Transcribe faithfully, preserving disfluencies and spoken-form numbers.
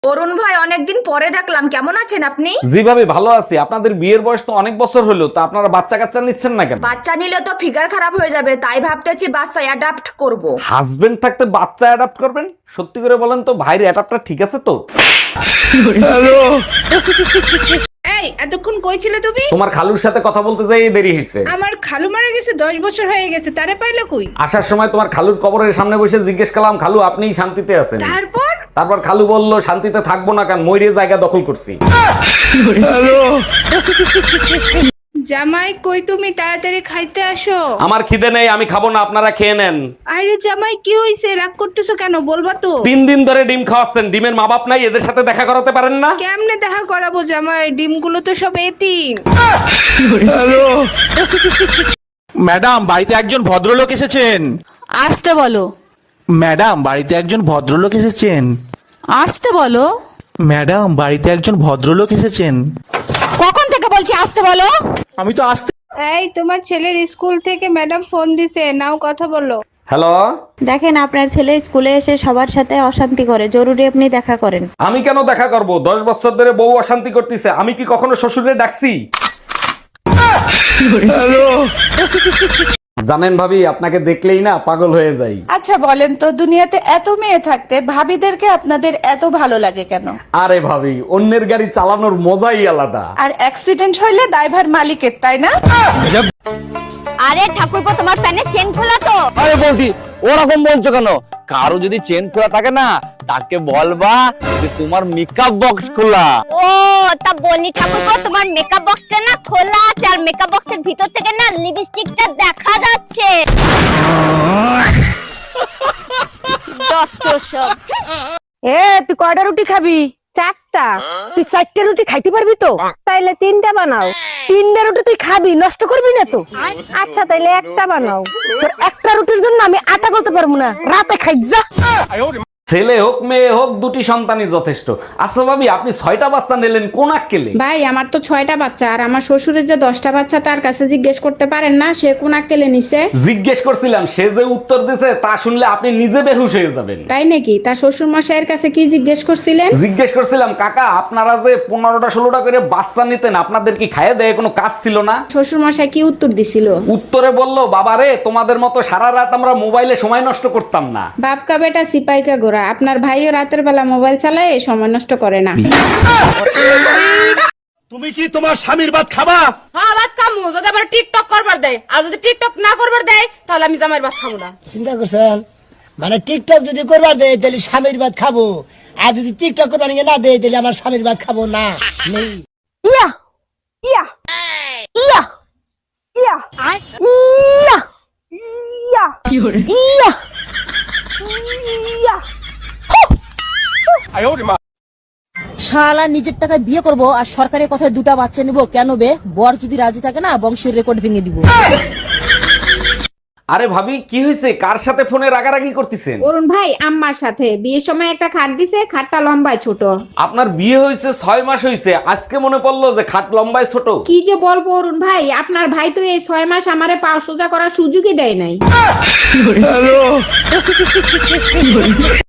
অরুণ ভাই, অনেকদিন পরে দেখলাম, কেমন আছেন আপনি? জি ভাবি, ভালো আছি। আপনাদের বিয়ের বয়স তো অনেক বছর হলো, তা আপনারা বাচ্চা কাচ্চা নিচ্ছেন না কেন? বাচ্চা নিলে তো ফিগার খারাপ হয়ে যাবে, তাই ভাবতেছি বাচ্চা অ্যাডাপ্ট করব। হাজবেন্ড থাকতে বাচ্চা অ্যাডাপ্ট করবেন? সত্যি করে বলেন তো, ভাইয়ের অ্যাডাপ্টার ঠিক আছে তো? এই এতক্ষণ কই ছিলে তুমি? তোমার খালুর সাথে কথা বলতে যাই দেরি হয়েছে। আমার খালু মারা গেছে, দশ বছর হয়ে গেছে, তারে পাইলো কই? আসার সময় তোমার খালুর কবরের সামনে বসে জিজ্ঞেস করলাম, খালু আপনিই শান্তিতে আছেন? তারপর তারপর খালু বলল, শান্তিতে থাকবো না, কারণ ময়ূরে জায়গা দখল করছি। জামাই কই তুমি? তাড়াতাড়ি খাইতে আসো। আমার খিদে নেই, আমি খাবো না, আপনারা খেয়ে নেন। আরে জামাই কি হইছে? রাগ করতেছো কেন? বলবা তো। তিন দিন ধরে ডিম খাওয়াচ্ছেন, ডিমের মা বাপ নাই, এদের সাথে দেখা করাতে পারেন না? কেমনে দেখা করাবো জামাই? ডিমগুলো তো সব এতিম। ম্যাডাম, বাড়িতে একজন ভদ্রলোক এসেছেন। আসতে বলো। ম্যাডাম, বাড়িতে একজন ভদ্রলোক এসেছেন। আসতে বলো। ম্যাডাম, বাড়িতে একজন ভদ্রলোক এসেছেন। কখন থেকে বলছি আসতে বলো? আমি তো আসতে। এই তোমার ছেলের স্কুল থেকে ম্যাডাম ফোন দিছে, নাও কথা বলো। হ্যালো। দেখেন, আপনার ছেলে স্কুলে এসে সবার সাথে অশান্তি করে, জরুরি আপনি দেখা করেন। আমি কেন দেখা করব? দশ বছর ধরে বউ অশান্তি করতেছে, আমি কি কখনো শ্বশুরে ডাকছি? জানেন ভাবি, আপনাকে দেখলেই না পাগল হয়ে যাই। আচ্ছা বলেন তো, দুনিয়াতে এত মেয়ে থাকতে ভাবিদেরকে আপনাদের এত ভালো লাগে কেন? আরে ভাবি, অন্যের গাড়ি চালানোর মজাই আলাদা। আর অ্যাক্সিডেন্ট হইলে দায়ভার মালিকের, তাই না? আরে ঠাকুরপো, তোমার প্যানে চেন খোলা তো? আরে বলছি, ওরকম বলছো কেন? কারো যদি চেন খোলা থাকে না, তাকে বলবা যে তোমার মেকআপ বক্স খোলা। ও তা বলি ঠাকুরপো, তোমার মেকআপ বক্সটা না খোলা আছে, আর মেকআপ বক্সের ভিতর থেকে না লিপস্টিকটা দেখা যাচ্ছে। যত সব। এ তুই কয়টা রুটি খাবি? চারটা। তুই চারটা রুটি খাইতে পারবি তো? তাইলে তিনটা বানাও। তিনটা রুটি তুই খাবি, নষ্ট করবি না তো? আচ্ছা তাইলে একটা বানাও। তোর একটা রুটির জন্য আমি আটা করতে পারবো না, রাতে খাই যা। ছেলে হোক মেয়ে হোক, দুটি সন্তানই যথেষ্ট। আচ্ছা ভাবি, আপনি ছয়টা বাচ্চা নিলেন কোন আক্কেলে? ভাই আমার তো ছয়টা বাচ্চা, আর আমার শ্বশুরের যে দশটা বাচ্চা, তার কাছে জিজ্ঞেস করতে পারেন না সে কোন আক্কেলে নিছে? জিজ্ঞেস করছিলাম, সে যে উত্তর দিছে তা শুনলে আপনি নিজে বেহুশ হয়ে যাবেন। তাই নাকি? তার শ্বশুর মশাইয়ের কাছে কি জিজ্ঞেস করছিলেন? জিজ্ঞেস করছিলাম, কাকা আপনারা যে পনেরোটা ষোলোটা করে বাচ্চা নিতেন, আপনাদের কি খাইয়ে দেয় কোনো কাজ ছিল না? শ্বশুর মশাই কি উত্তর দিছিল? উত্তরে বলল, বাবারে তোমাদের মতো সারা রাত আমরা মোবাইলে সময় নষ্ট করতাম না। বাপকা বেটা সিপাইকা গোরা, আপনার ভাইও রাতের বেলা মোবাইল চালায়, সময় নষ্ট করে না। তুমি কি তোমার স্বামীর ভাত খাবা? হ্যাঁ, ভাত খামু, যদি আবার টিকটক করবার দেয়। আর যদি টিকটক না করবার দেয়, তাহলে আমি জামাইয়ের ভাত খাবো না। চিন্তা করছেন? মানে টিকটক যদি করবার দেয় তাহলে স্বামীর ভাত খাবো, আর যদি টিকটক করবার না দেয় তাহলে আমার স্বামীর ভাত খাবো না। নেই। ইয়া ইয়া ইয়া ইয়া ইয়া ইয়া ইয়া ইয়া। শালা নিজের টাকায় বিয়ে করব আর সরকারের কথায় দুটা বাচ্চা নিব কেন বে? বর যদি রাজি থাকে না, বংশের রেকর্ড ভেঙে দিব। আরে ভাবি, কি হয়েছে? কার সাথে ফোনে রাগারাগি করতেছেন? অরুণ ভাই আম্মার সাথে বিয়ের সময় একটা খাট দিছে, খাটটা লম্বায় ছোট। আপনার বিয়ে হয়েছে ছয় মাস হয়েছে, আজকে মনে পড়লো যে খাট লম্বায় ছোট? কি যে বলবো অরুণ ভাই, আপনার ভাই তো এই ছয় মাস আমারে পা সোজা করার সুযোগই দেয় নাই।